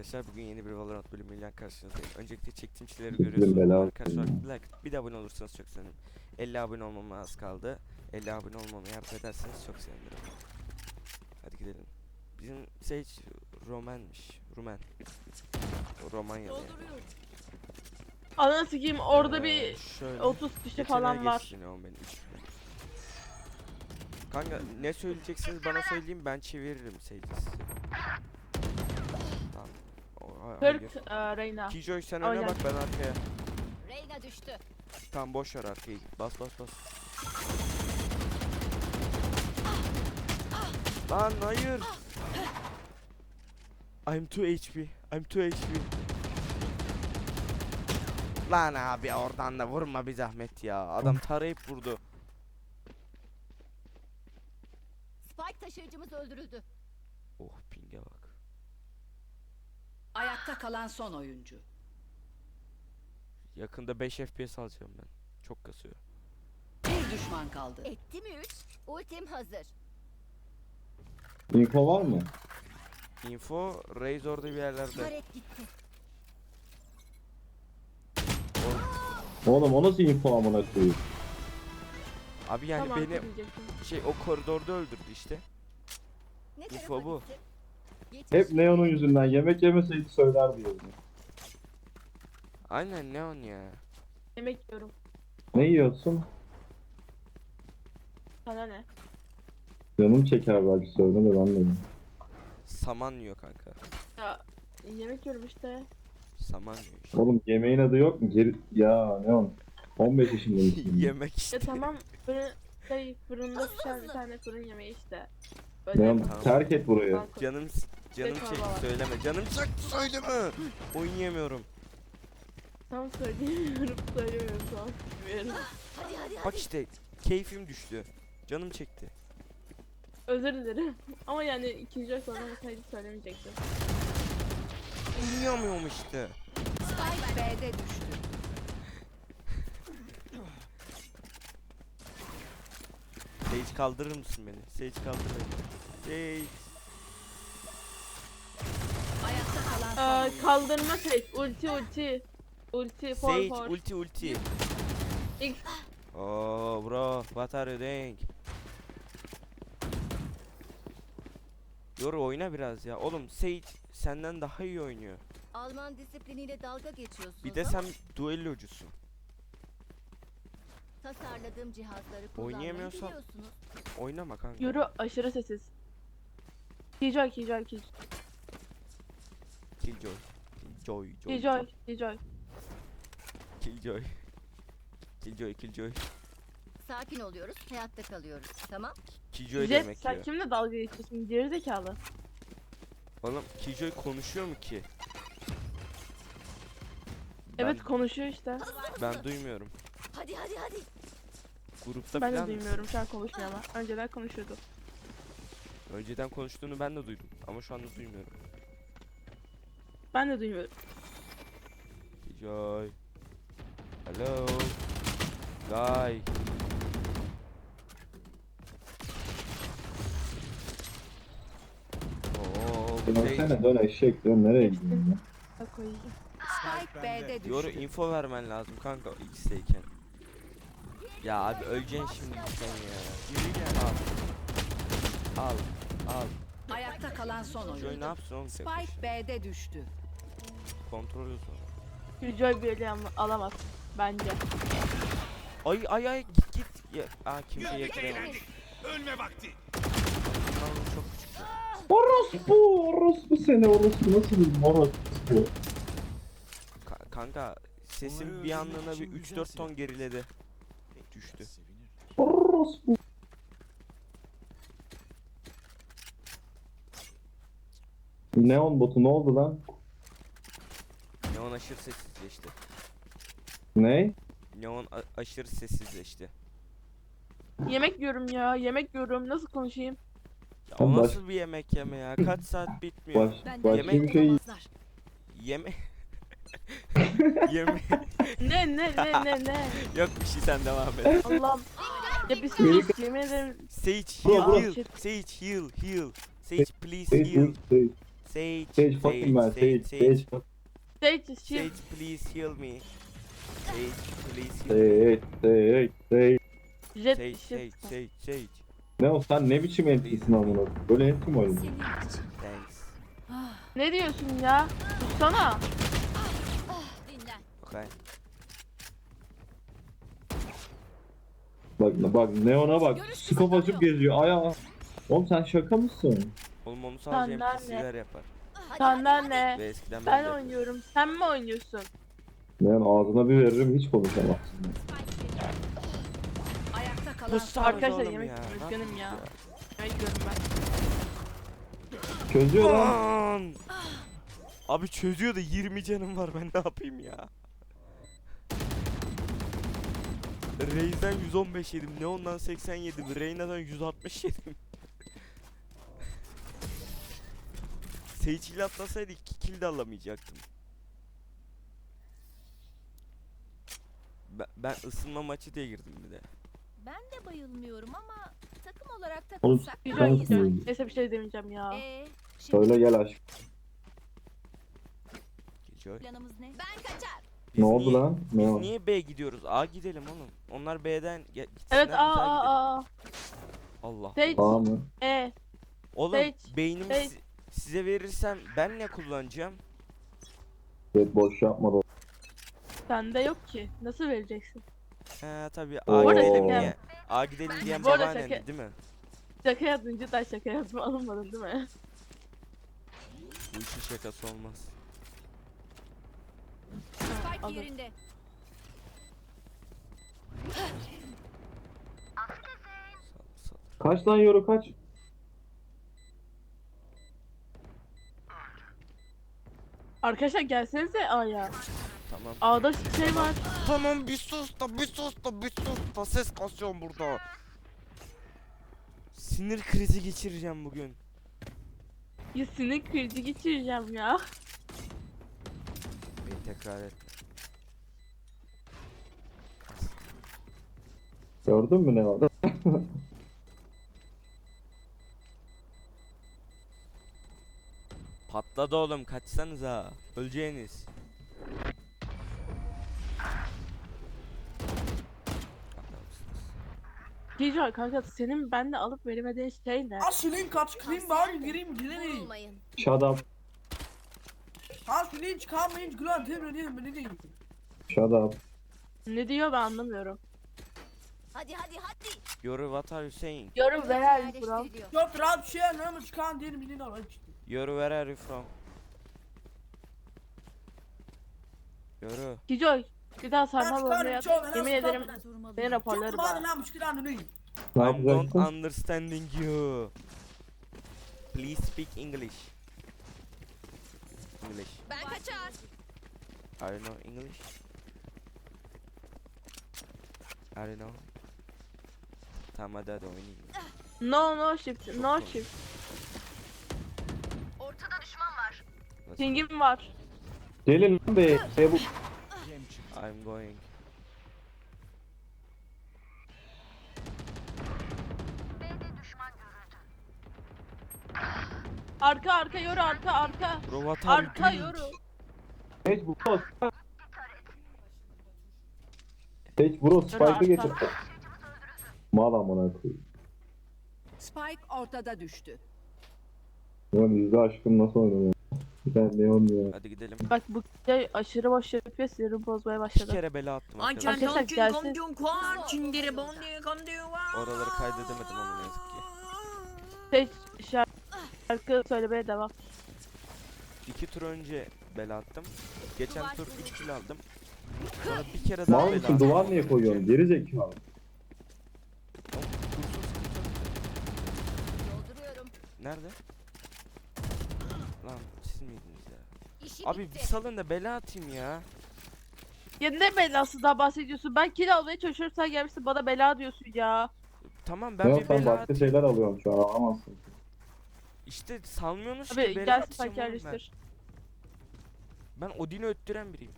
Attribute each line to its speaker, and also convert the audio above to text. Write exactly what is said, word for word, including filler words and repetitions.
Speaker 1: arkadaşlar, bugün yeni bir Valorant bölümüyle karşınızdayım. Öncelikle çektiğim şeyleri görüyorsunuz arkadaşlar. Like, bir de abone olursanız çok sevinirim. elli abone olmama az kaldı. elli abone olmama yardım ederseniz çok sevinirim. Hadi gidelim. Bizim Sage Roman'mış. Rumen. O Romanyalı yani.
Speaker 2: Ananı sikeyim, orada
Speaker 1: Ee,
Speaker 2: bir
Speaker 1: şöyle.
Speaker 2: otuz kişi
Speaker 1: Geçene
Speaker 2: falan var.
Speaker 1: geçsin ya, benim üç. Kanka ne söyleyeceksiniz bana söyleyin, ben çeviririm Sage'i size. Tamam. O, ha- hayır.
Speaker 2: kırk e, Reyna.
Speaker 1: Killjoy sen
Speaker 2: Aynen.
Speaker 1: öne bak, ben arkaya.
Speaker 3: Reyna düştü.
Speaker 1: Tamam, boş ver arkayı. Bas bas bas. Lan hayır. I'm two H P. I'm two H P. Lan abi oradan da vurma bir zahmet ya. Adam tarayıp vurdu.
Speaker 3: Spike taşıyıcımız öldürüldü.
Speaker 1: Oh, pinge bak.
Speaker 4: Ayakta kalan son oyuncu.
Speaker 1: Yakında beş F P S alacağım ben. Çok kasıyor.
Speaker 4: Bir düşman kaldı.
Speaker 3: Etti mi üç? Ultim hazır.
Speaker 5: Info var mı?
Speaker 1: Info Raze orada bir yerlerde.
Speaker 3: Taret gitti.
Speaker 5: Oğlum o nasıl info amına koyayım?
Speaker 1: Abi yani
Speaker 2: Tamam,
Speaker 1: beni
Speaker 2: diyecektim.
Speaker 1: şey o koridorda öldürdü işte.
Speaker 3: Ne
Speaker 1: Info
Speaker 3: tarafa
Speaker 1: bu.
Speaker 3: gitti? Yetiş.
Speaker 5: Hep Neon'un yüzünden yemek yemeseydi söylerdi yani.
Speaker 1: Aynen, Neon ya.
Speaker 2: Yemek yiyorum.
Speaker 5: Ne yiyorsun?
Speaker 2: Sana ne?
Speaker 5: Canım çeker belki söyle de ben de yiyeyim.
Speaker 1: Saman yiyor kanka.
Speaker 2: Ya yemek yiyorum işte.
Speaker 1: Saman yiyor işte.
Speaker 5: Oğlum yemeğin adı yok mu? Geri... Ya Neon. on beş yaşında mısın?
Speaker 1: Yemek işte.
Speaker 2: Ya tamam, fırın, şey, fırında pişen bir tane fırın yemeği işte. Böyle
Speaker 5: Neon
Speaker 1: Tamam.
Speaker 5: terk et burayı.
Speaker 2: Balkon.
Speaker 1: Canım canım
Speaker 2: Çek
Speaker 1: çekti,
Speaker 2: baba.
Speaker 1: söyleme. Canım çekti, söyleme. Oynayamıyorum.
Speaker 2: Tam söyleyemiyorum, söylemiyorum tamam. Bilmiyorum.
Speaker 3: Hadi hadi hadi.
Speaker 1: Bak işte keyfim düştü. Canım çekti.
Speaker 2: Özür dilerim. Ama yani ikinci ay sonra mesajı söylemeyecektim.
Speaker 1: Oynayamıyorum işte.
Speaker 4: Spike B'de düştü.
Speaker 1: Sage kaldırır mısın beni? Sage kaldır beni. Sage.
Speaker 4: Ayakta kalan son
Speaker 2: Ee,
Speaker 4: oyuncu.
Speaker 2: kaldırma şey, ulti ulti. Ulti, for
Speaker 1: Sage
Speaker 2: for.
Speaker 1: ulti ulti.
Speaker 2: İlk
Speaker 1: Oh bro, what are you doing? Yoru oyna biraz ya. Oğlum Sage senden daha iyi oynuyor.
Speaker 3: Alman disipliniyle dalga geçiyorsunuz.
Speaker 1: Bir de
Speaker 3: ama
Speaker 1: sen duellocusun.
Speaker 3: tasarladığım cihazları kullanmayı
Speaker 1: Oynayamıyorsan-
Speaker 3: biliyorsunuz.
Speaker 1: Oynama kanka.
Speaker 2: Yoru aşırı sessiz. Killjoy, Killjoy, Killjoy.
Speaker 1: Killjoy. Killjoy. Joy,
Speaker 2: Killjoy, Killjoy.
Speaker 1: Killjoy. Killjoy, Killjoy.
Speaker 3: Sakin oluyoruz, hayatta kalıyoruz. Tamam?
Speaker 1: Killjoy
Speaker 2: Jet,
Speaker 1: demek
Speaker 2: sen
Speaker 1: ya.
Speaker 2: kimle dalga geçiyorsun? Gerizekalı.
Speaker 1: Oğlum Killjoy konuşuyor mu ki?
Speaker 2: Evet, konuşuyor işte.
Speaker 1: Ben, ben duymuyorum.
Speaker 3: Hadi hadi hadi.
Speaker 1: Grupta
Speaker 2: Ben de
Speaker 1: falan
Speaker 2: duymuyorum, şu an konuşmuyor ama. Önceden konuşuyordu.
Speaker 1: önceden konuştuğunu ben de duydum ama şu anda duymuyorum.
Speaker 2: Ben de duymuyorum.
Speaker 1: Killjoy. Hello. Guy. Oo, bu şey-
Speaker 5: Dönsene dön eşek dön nereye gidiyorsun ya?
Speaker 2: Bak koyayım.
Speaker 4: Spike B'de düştü.
Speaker 1: Yoru info vermen lazım kanka X'teyken. Ya abi öleceksin şimdi sen ya. Yürü gel al. Al. Al.
Speaker 4: Ayakta kalan son
Speaker 1: Joy ne
Speaker 4: oyuncu.
Speaker 1: yapsın oğlum tek
Speaker 4: Spike
Speaker 1: başına?
Speaker 4: B'de düştü.
Speaker 1: Kontrol et onu.
Speaker 2: Killjoy bir ele al- alamaz. Bence.
Speaker 1: Ay ay ay git git. Ya, aa kimse yakalayamamış.
Speaker 6: Ölme vakti.
Speaker 1: Tamam, çok küçük.
Speaker 5: Orospu orospu seni orospu nasıl bir orospu?
Speaker 1: Ka- kanka sesim bir anlığına bir üç dört ton geriledi. Düştü.
Speaker 5: Orospu. Neon botu ne oldu lan?
Speaker 1: Neon aşırı sessizleşti.
Speaker 5: Ne?
Speaker 1: Neon a- aşırı sessizleşti.
Speaker 2: Yemek yiyorum ya, yemek yiyorum. Nasıl konuşayım?
Speaker 1: Ya o
Speaker 5: Sen baş-
Speaker 1: nasıl bir yemek yeme ya? Kaç saat bitmiyor?
Speaker 5: Baş,
Speaker 4: Benden
Speaker 5: başka
Speaker 1: yemek
Speaker 5: bir şey
Speaker 4: yapamazlar.
Speaker 1: Yeme. Yeme.
Speaker 2: Ne ne ne ne ne?
Speaker 1: Yok bir şey, sen devam et.
Speaker 2: Allah'ım. Ya bir sus, yemin ederim.
Speaker 1: Sage
Speaker 5: Bro,
Speaker 1: heal
Speaker 5: bro.
Speaker 1: heal. Sage heal heal. Sage please
Speaker 5: Sage,
Speaker 1: heal.
Speaker 5: Sage,
Speaker 1: Sage,
Speaker 5: Sage fucking man. Sage. Sage.
Speaker 2: Sage shield.
Speaker 1: Sage, please heal me. Sage, please heal me.
Speaker 5: Sage. Sage. Sage.
Speaker 2: Jet
Speaker 1: Sage,
Speaker 2: shield.
Speaker 1: Sage, Sage, Sage.
Speaker 5: Ne o sen ne biçim entisin amına? Böyle enti mi oynuyorsun?
Speaker 1: Thanks.
Speaker 2: Ne diyorsun ya? Tutsana.
Speaker 3: Dinlen.
Speaker 1: Okay.
Speaker 5: Bak bak Neon'a bak. Skop açıp geziyor. Aya. Oğlum sen şaka mısın?
Speaker 1: Oğlum onu sadece
Speaker 2: Senden
Speaker 1: N P C'ler yapar.
Speaker 3: Hadi,
Speaker 2: Senden
Speaker 3: hadi,
Speaker 2: ne?
Speaker 1: Ve eskiden
Speaker 2: Ben
Speaker 1: de
Speaker 2: oynuyorum. Sen mi oynuyorsun?
Speaker 5: Neon ağzına bir veririm hiç konuşamazsın.
Speaker 4: Ayakta kalan
Speaker 1: Bu
Speaker 4: son.
Speaker 1: sarı
Speaker 2: Arkadaşlar
Speaker 1: oğlum
Speaker 2: yemek
Speaker 1: ya,
Speaker 2: yiyorum,
Speaker 1: ne
Speaker 2: üzgünüm ya.
Speaker 1: yapıyorsun
Speaker 2: Yemek yiyorum ben.
Speaker 5: Çözüyor lan.
Speaker 1: Lan! Abi çözüyor da yirmi canım var, ben ne yapayım ya? Reis'den yüz on beş yedim, Neon'dan seksen yedim, Reyna'dan yüz altmış yedim. Sage ile atlasaydı iki kill de alamayacaktım. Ben, ben ısınma maçı diye girdim bir de.
Speaker 3: Ben de bayılmıyorum ama takım olarak
Speaker 5: Oğlum
Speaker 3: takılsak
Speaker 2: Güzel
Speaker 3: daha iyi
Speaker 5: Sensin.
Speaker 2: güzel.
Speaker 3: sanki.
Speaker 2: Neyse bir şey demeyeceğim ya.
Speaker 3: Ee, şimdi
Speaker 5: Söyle gel aşk.
Speaker 1: Gece.
Speaker 3: planımız ne? Ben kaçar.
Speaker 1: Biz
Speaker 5: Ne oldu
Speaker 1: niye-
Speaker 5: lan?
Speaker 1: Biz
Speaker 5: Ne oldu?
Speaker 1: niye B gidiyoruz? A gidelim oğlum. Onlar B'den ge- gitsinler,
Speaker 2: Evet
Speaker 1: biz
Speaker 2: aa
Speaker 1: A
Speaker 2: aa
Speaker 1: gidelim.
Speaker 2: aa.
Speaker 1: Allah.
Speaker 2: Sage.
Speaker 5: Tamam mı?
Speaker 2: E.
Speaker 1: Oğlum
Speaker 2: Sage,
Speaker 1: beynimi
Speaker 2: Sage.
Speaker 1: si- size verirsem ben ne kullanacağım?
Speaker 5: Evet boş yapma da.
Speaker 2: Sende yok ki. Nasıl vereceksin?
Speaker 1: He tabii
Speaker 5: Oo.
Speaker 1: A
Speaker 5: Bu arada
Speaker 1: gidelim
Speaker 2: şaka-
Speaker 1: diye. A gidelim diyen
Speaker 2: Bu arada
Speaker 1: babaannen
Speaker 2: şaka-
Speaker 1: değil mi?
Speaker 2: Şaka yaptın cidden şaka yaptım alınmadın değil mi?
Speaker 1: Bu işin şakası olmaz.
Speaker 3: Spike
Speaker 2: Alın.
Speaker 3: yerinde.
Speaker 1: Sal, sal.
Speaker 5: Kaç lan euro kaç?
Speaker 2: Arkadaşlar gelsenize A'ya.
Speaker 1: Tamam.
Speaker 2: A'da şey var.
Speaker 1: Tamam bir sus da bir sus da bir sus da ses kasıyorum burada. Sinir krizi geçireceğim bugün.
Speaker 2: Ya sinir krizi geçireceğim ya.
Speaker 1: Beni tekrar et.
Speaker 5: Gördün mü ne var?
Speaker 1: Patladı oğlum, kaçsanıza. Öleceğiniz. Adamsınız.
Speaker 2: Gece kanka senin bende alıp veremediğin şey ne?
Speaker 6: Aslında kaç krim var gireyim gireyim.
Speaker 3: Vurulmayın.
Speaker 5: Shut up.
Speaker 6: Aslında çıkamayınca gülen temre diyeyim ne diyeyim.
Speaker 5: Shut up.
Speaker 2: Ne diyor ben anlamıyorum.
Speaker 3: Hadi hadi hadi.
Speaker 1: Yoru, what are you saying?
Speaker 2: Yorum
Speaker 3: Burası
Speaker 2: ver bro.
Speaker 3: yerleştiriliyor.
Speaker 6: Yok rahat bir şey anlamı çıkan diyelim bilin al işte.
Speaker 1: Yoru, where are you from? Yoru.
Speaker 2: Gijoy bir daha sarmal
Speaker 6: Ben
Speaker 2: olmaya
Speaker 6: çıkarım çoğu
Speaker 2: yemin ederim beni raporları
Speaker 6: Çok bana
Speaker 2: bana.
Speaker 6: ne yapmış ki lan neyim.
Speaker 5: Ne
Speaker 1: I'm don't
Speaker 5: yapacaksın?
Speaker 1: understanding you. Please speak English. English.
Speaker 3: Ben kaçar.
Speaker 1: Are you know English? Are you know? Tamam hadi hadi oynayayım.
Speaker 2: No no shift no shift.
Speaker 3: Ortada düşman var.
Speaker 1: Let's
Speaker 2: Pingim var.
Speaker 5: Gelin lan be. be bu.
Speaker 1: go. I'm going.
Speaker 2: Arka arka yoru arka arka.
Speaker 1: Bro, what are you
Speaker 2: Arka
Speaker 1: doing?
Speaker 2: yoru.
Speaker 5: Sage bro. Sage bro spike'ı
Speaker 2: arka.
Speaker 5: getir. Mal amına koyayım.
Speaker 4: Spike ortada düştü.
Speaker 5: Neon yüzde aşkım nasıl oynuyor? Ben Neon ya.
Speaker 1: Hadi gidelim.
Speaker 2: Bak bu şey aşırı boş yapıyor sinirim bozmaya
Speaker 1: İki
Speaker 2: başladı.
Speaker 1: kere bela attım
Speaker 6: Anken
Speaker 1: arkadaşlar.
Speaker 2: Arkadaşlar
Speaker 6: tonkin
Speaker 2: gelsin.
Speaker 6: komdun kuan çindiri bondi komdu var.
Speaker 1: Oraları kaydedemedim ama ne yazık ki.
Speaker 2: Şey şarkı söylemeye devam.
Speaker 1: İki tur önce bela attım. Geçen tur üç kill aldım. Sonra bir kere daha
Speaker 5: Mal
Speaker 1: bela
Speaker 5: mısın
Speaker 1: attım.
Speaker 5: duvar niye koyuyorsun? Geri zekalı.
Speaker 1: Oğlum, kursuz sıkıntı yok.
Speaker 3: Dolduruyorum.
Speaker 1: Nerede? Lan siz miydiniz ya?
Speaker 3: İşi
Speaker 1: Abi bir
Speaker 3: bitti.
Speaker 1: salın da bela atayım ya.
Speaker 2: Ya ne belası daha bahsediyorsun? Ben kill almaya çalışıyorum sen gelmişsin bana bela diyorsun ya.
Speaker 1: Tamam ben
Speaker 5: Neon
Speaker 1: bir
Speaker 5: sen
Speaker 1: bela
Speaker 5: başka
Speaker 1: atayım.
Speaker 5: şeyler alıyorsun şu an alamazsın.
Speaker 1: İşte salmıyorsunuz
Speaker 2: Abi
Speaker 1: ki bela
Speaker 2: gel
Speaker 1: atacağım
Speaker 2: spike
Speaker 1: oğlum ben.
Speaker 2: yerleştir.
Speaker 1: Ben Odin'i öttüren biriyim.